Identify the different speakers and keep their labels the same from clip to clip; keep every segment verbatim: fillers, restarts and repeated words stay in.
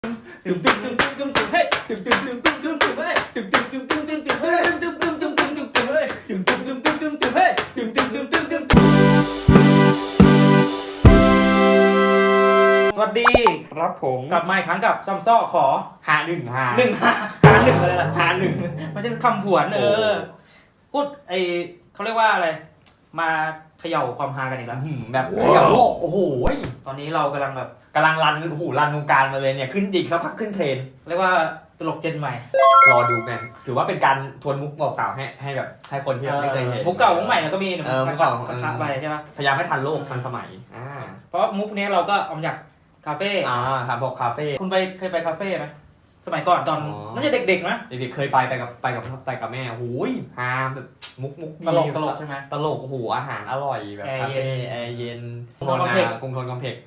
Speaker 1: ตึมตึมตึมตึมตึมตึมเฮ้ยตึมตึมตึมตึมตึมตึมเฮ้ยตึมตึมตึมตึมตึมตึมเฮ้ยตึมตึมตึมตึมตึมตึมเฮ้ยตึมตึมตึมตึมตึมตึมเฮ้ยตึมตึมตึมตึมตึมสวัสดี
Speaker 2: ครับผม
Speaker 1: กลับมาอีกครั้งกับซัมซ้อขอ
Speaker 2: หาหนึ่งหา
Speaker 1: หนึ่งหาหาหนึ่งเลยล่ะ
Speaker 2: หาหนึ่ง
Speaker 1: ไม่ใช่คำผวนเออพูดไอเขาเรียกว่าอะไรมาเขย่าความฮากันอีกแล้ว
Speaker 2: แบบเขย่าโลกโอ้โห
Speaker 1: ตอนนี้เรากำลังแบบ
Speaker 2: กำลังรันโอ้โหรันวงการมาเลยเนี่ยขึ้นดิกสักพักขึ้นเทรน
Speaker 1: เรียกว่าตลกเจนใหม่
Speaker 2: รอดูกันถือว่าเป็นการทวนมุกเก่าๆให้ให้แบบให้คนที่แบบไม่เคยเห็น
Speaker 1: มุกเก่ามุกใหม่เราก็มี
Speaker 2: เออมุกเก่า
Speaker 1: ค้าไปใช่ปะ
Speaker 2: พยายามให้ทันโลกทันสมัยอ่า
Speaker 1: เพราะมุกนี้เราก็เอามาจากคาเฟ่
Speaker 2: อ่าครับบอกคาเฟ่
Speaker 1: คุณไปเคยไปคาเฟ่ไหมสมัยก่อนตอน
Speaker 2: อ๋อ
Speaker 1: น่าจะเด็กๆนะ
Speaker 2: เด็กๆเคยไปไปกับไปกับไปกับแม่โอ้ยฮาแบบมุกมุกดี
Speaker 1: ตลกตลกใช่ไหม
Speaker 2: ตลกโอ้โหอาหารอร่อยแบบ
Speaker 1: แอร์
Speaker 2: คา
Speaker 1: เย็
Speaker 2: เฟ่
Speaker 1: น
Speaker 2: แอร์เย็น
Speaker 1: กรุงทนคอมเพล็กซ์
Speaker 2: กรุงทนคอมเพล็กซ์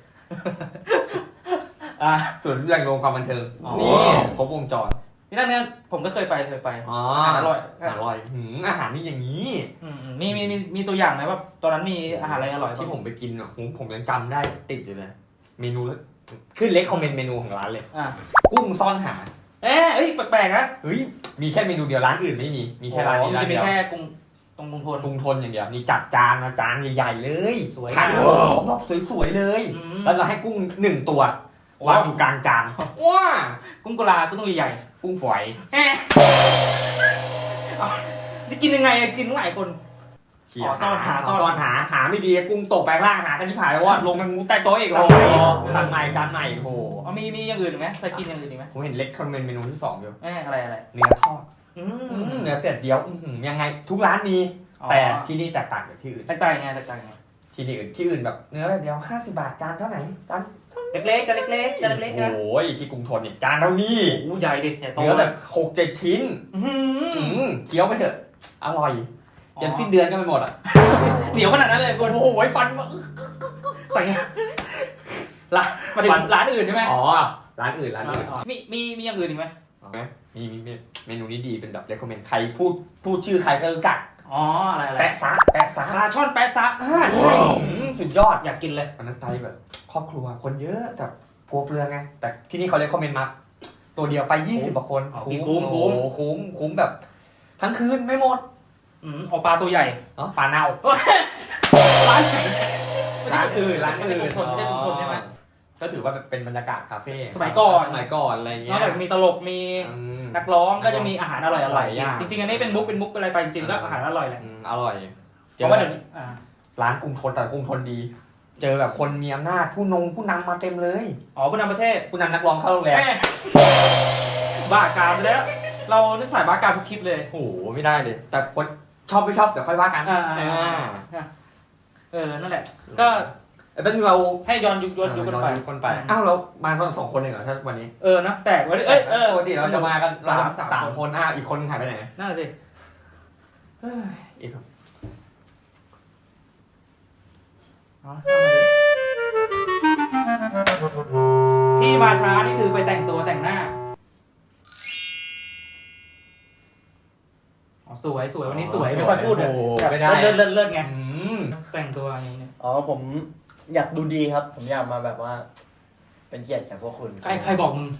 Speaker 1: อ่า
Speaker 2: ส่วนแหล่งรวมความบันเทิง
Speaker 1: อ๋อ
Speaker 2: นี่ครบวงจร
Speaker 1: ที่นั่นเนี่ยผมก็เคยไปเคยไป
Speaker 2: อ๋อ
Speaker 1: อาหารอร่อย
Speaker 2: อร่อยหืมอาหารนี่อย่างนี้
Speaker 1: อืมๆมีมีมีมีตัวอย่างไหมว่าตอนนั้นมีอาหารอะไรอร่อยบ้าง
Speaker 2: ที่ผมไปกินอ่ะผมผมยังจำได้ติดอยู่เลยเมนูแล้วขึ้นเล็กคอมเมนต์เมนูของร้านเลย
Speaker 1: อ่า
Speaker 2: กุ้งซ่อนหา
Speaker 1: เอ๊ะเอ้ยแปลกๆนะ
Speaker 2: เฮ้ยมีแค่เมนูเดียวร้านอื่นไม่มีมีแค่ร้านนี้
Speaker 1: อ๋อมั
Speaker 2: ร้าน
Speaker 1: จะมี
Speaker 2: เดียว
Speaker 1: แค่กรุงตรงกรุงทน
Speaker 2: กรุงทนอย่างเดียวนี่จัดจานนะจานใหญ่ๆเลย
Speaker 1: สวย
Speaker 2: ผัก
Speaker 1: มาก
Speaker 2: โอ้โหแบบสวยๆเลย
Speaker 1: อืม
Speaker 2: แล้วเราให้กุ้งหนึ่งตัว
Speaker 1: โอ้
Speaker 2: วางอยู่กลางจานว้า
Speaker 1: กุ้งกุลากุ้งตัวใหญ่
Speaker 2: กุ้งฝอย
Speaker 1: ๆเอ๊ะเอาจะกินยังไงอะกินหลายคน
Speaker 2: เขี่ย
Speaker 1: อ๋อซ่อนหาซ่
Speaker 2: ซ่
Speaker 1: อน
Speaker 2: อนหาหาไม่ดีกุ้งตกไปข้างล่างหากันที่ผ่านแล้วว่าลงกันงูใต้โต๊ะอีก
Speaker 1: โอ้
Speaker 2: แล้ว
Speaker 1: โห
Speaker 2: สั่งใหม่จานใหม่โอ้โห
Speaker 1: เอามีมีอย่างอื่นอีกไหมเคยกินอย่างอื่นอีกไหม
Speaker 2: ผมเห็นเล็กคอมเมนต์เมนูที่สองอยู่
Speaker 1: เอ๊ะอะไรอะไร
Speaker 2: เนื้อทอด
Speaker 1: อื
Speaker 2: อืม
Speaker 1: ม
Speaker 2: เนื้อเป็ดเดียวอื้อหือยังไงทุกร้านมี
Speaker 1: อ๋อ
Speaker 2: แต่ที่นี่แตกต่างจากที่อื่น
Speaker 1: แตกต่างยังไงแตกต่างยังไง
Speaker 2: ที่นี่อื่นที่อื่นแบบเนื้อแบบเดียวห้าสิบบาทจานเท่าไหร่จาน
Speaker 1: เล็กๆจะเล็กๆจะเล็กๆนะ
Speaker 2: โอ้ยที่กรุงทนเนี่ยจานเท่านี้
Speaker 1: โอ้ใหญ่ดิใหญ่โต
Speaker 2: เนื้อแบบหกเจ็ดชิ้น
Speaker 1: อื้อหื
Speaker 2: อื
Speaker 1: อ
Speaker 2: มเคี้ยวไปเถอะอร่อยยันสิ้นเดือนก็ไม่หมดอ่ะ
Speaker 1: เหนียวขนาดนั้นเลยคุณ
Speaker 2: โอ้โหฟันมา
Speaker 1: ใส่ไงร้านมาถึงร้านอื่นใช่ไหม
Speaker 2: อ๋อร้านอื่นร้านอื่น
Speaker 1: มีมีมีอย่างอื่นอีกไหม
Speaker 2: เอาไหมมีมีมีเมนูนี้ดีเป็นแบบ recommend ใครพูดพูดชื่อใครก็รู้จัก
Speaker 1: อ๋ออะไรอะไร
Speaker 2: แปะซะแปะซะ
Speaker 1: ปลาช่อนแปะซัก
Speaker 2: อ่าใช่อืมสุดยอด
Speaker 1: อยากกินเลย
Speaker 2: วันนั้นไปแบบครอบครัวคนเยอะแต่พัวเปลืองไงแต่ที่นี่เขาเลยคอมเมนต์มาตัวเดียวไปยี่สิบกว่าคน
Speaker 1: คุ้มคุ้ม
Speaker 2: โอ้โหคุ้มคุ้มแบบ ทั้งคืนไม่หมด
Speaker 1: อืมเอาปลาตัวใหญ่
Speaker 2: เนาะปลาเน่า
Speaker 1: ร้านไหน
Speaker 2: ร้านอื่นร้าน
Speaker 1: ไม่ใช่
Speaker 2: อื่น
Speaker 1: กรุงทนไม่ใช่กรุงทนใช่ไหม
Speaker 2: ก็ถือว่าเป็นบรรยากาศคาเฟ่
Speaker 1: สมัยก่อน
Speaker 2: สมัยก่อนอะไร
Speaker 1: น
Speaker 2: เงี้
Speaker 1: อก
Speaker 2: ย
Speaker 1: จากมีตลกมี
Speaker 2: อืม
Speaker 1: นักร้องก็จะมีอาหารอร่อยอ
Speaker 2: ห
Speaker 1: ร่อ
Speaker 2: ลาย ยอย่าง
Speaker 1: จริงๆอันนี้เป็นมุกเป็นมุกเป็นอะไรไปจริงๆก็อาหารอร่อยแหละ
Speaker 2: อืมอร่อย
Speaker 1: เพราะว่าเดี๋ยวนี้อ่า
Speaker 2: ร้านกรุงทนแต่กรุงทนดี เจอแบบคนมีอำนาจผู้นงผู้นำมาเต็มเลย
Speaker 1: อ๋อผู้นำประเทศ
Speaker 2: ผู้นำนักร้องเข้าโรงแรม
Speaker 1: แม่บ้ากามไปแล้ว เรานึกสายบ้ากามทุกคลิปเลย
Speaker 2: โอ้โหไม่ได้เลย แต่คนชอบไม่ชอบเดี๋ยวค่อยว่ากัน
Speaker 1: อ่า
Speaker 2: อ่า
Speaker 1: เออนั่นแหละ ก็
Speaker 2: เอ้ยเป็นเรา
Speaker 1: ให้ย้อนยุคย้อนยุคกันไป
Speaker 2: ย้อนคนไปอ้าวเรามาสองสองคนเองเหรอถ้าวันนี้
Speaker 1: เออนะแต่วันนี้เอ้ยเออ
Speaker 2: ปกติเราจะมากันสาม
Speaker 1: สาม
Speaker 2: สาม
Speaker 1: คน
Speaker 2: คนอ่ะอีกคนหายไปไหน
Speaker 1: นั่นสิ
Speaker 2: เฮ้ยอีกคน
Speaker 1: อ๋อที่มาช้านี่คือไปแต่งตัวแต่งหน้าอ๋อสวยสวยวันนี้สวยไม่ค่อยพูดเลย
Speaker 2: โอ้โห
Speaker 1: แบบ
Speaker 2: ไม่ได้
Speaker 1: เลิศเลิศเลิศไง
Speaker 2: อืม
Speaker 1: แต่งตัวอย่างนี้
Speaker 3: อ๋อผมอยากดูดีครับ ผมอยากมาแบบว่า เป็นเกียรติแก่พวกคุณ
Speaker 1: ใครใครบอกมึง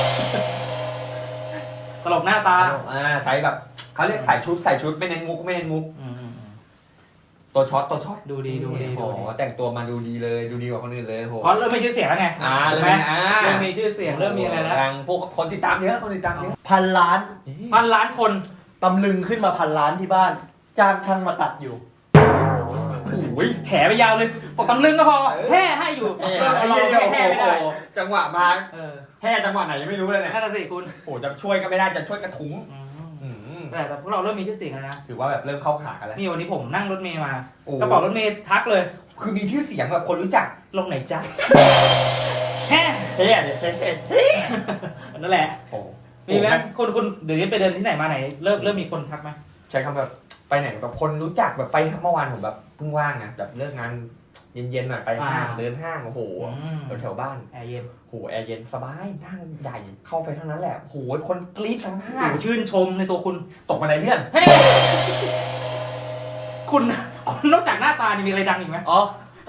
Speaker 1: ตลกหน้าตา
Speaker 2: อ่าใช้แบบเขาเรียกใส่ชุดใส่ชุดไม่เน้นมุกไม่เน้นมุก
Speaker 1: อืมอืมอืม
Speaker 2: ตัวช็อตตัวช็อต
Speaker 1: ดูดีดูดี
Speaker 2: โอ้
Speaker 1: ดู
Speaker 2: โห
Speaker 1: ดี
Speaker 2: แต่งตัวมาดูดีเลยดูดีกว่าคนอื่นเลยโอ้โห
Speaker 1: เพราะเริ่มมีชื่อเสียงแล้วไง
Speaker 2: อ่า
Speaker 1: ถู
Speaker 2: เริ่
Speaker 1: ก
Speaker 2: ม
Speaker 1: ไหม
Speaker 2: มีอ่า
Speaker 1: เริ่มมีชื่อเสียงเริ่มมีอะไรแล้ว
Speaker 2: ดังพวกคนติดตามเยอะคนติดตามเยอะ
Speaker 3: พันล้าน
Speaker 1: พันล้านคน
Speaker 3: ตำลึงขึ้นมาพันล้านที่บ้าน จ้างช่างมาตัดอยู่
Speaker 2: โอ้ย
Speaker 1: แฉไปยาวเลยบอกตำลึงก็พอแห่ให้อยู่
Speaker 2: เอ้ย
Speaker 1: เรา
Speaker 2: ไอ้
Speaker 1: เรา
Speaker 2: เหี้ย
Speaker 1: แห่
Speaker 2: โอ้
Speaker 1: แห่ไม่ได้
Speaker 2: โหจังหวะมา
Speaker 1: เออ
Speaker 2: แห่จังหวะไหนยังไม่รู้เลยเนี่ย
Speaker 1: นั่นน่ะสิคุณ
Speaker 2: โอ้โหจะช่วยก็ไม่ได้จะช่วยกระทุ้ง
Speaker 1: อืม
Speaker 2: อืม
Speaker 1: แต่แต่พวกเราเริ่มมีชื่อเสียงแล้วนะ
Speaker 2: ถือว่าแบบเริ่มเข้าขากันแล้ว
Speaker 1: นี่วันนี้ผมนั่งรถเมย์มา
Speaker 2: โอ้
Speaker 1: กระเป๋ารถเมย์ทักเลย
Speaker 2: คือมีชื่อเสียงแบบคนรู้จัก
Speaker 1: ลงไหนจ๊ะแฮ่
Speaker 2: เฮ้ยเนี่ยเฮ้ยเฮ้ย
Speaker 1: นั่นแหละ
Speaker 2: โอ้โห
Speaker 1: มีไหมคุณคุณเดี๋ยวนี้ไปเดินที่ไหนมาไหนเริ่มเริ่มมีคนทักไหม
Speaker 2: ใช้คำแบบไปไหนแบบคนรู้จักแบบไปเมื่อวานผมแบบเพิ่งว่างนะแบบเลิกงานเย็นๆหน่อยไปห้างเดินห้างโอ้โห
Speaker 1: อืม
Speaker 2: แถวๆบ้าน
Speaker 1: แอร์เย็น
Speaker 2: โหแอร์เย็นสบายนั่งใหญ่เข้าไปเท่านั้นแหละโหคนกรี๊ดทั้งห้า
Speaker 1: โอ้
Speaker 2: ง
Speaker 1: โหชื่นชมในตัวคุณ
Speaker 2: ตกมาในเลื่อน
Speaker 1: เฮ้ยคุณคุณนอกจากหน้าตานี่มีอะไรดังอีกไหม
Speaker 3: อ๋อ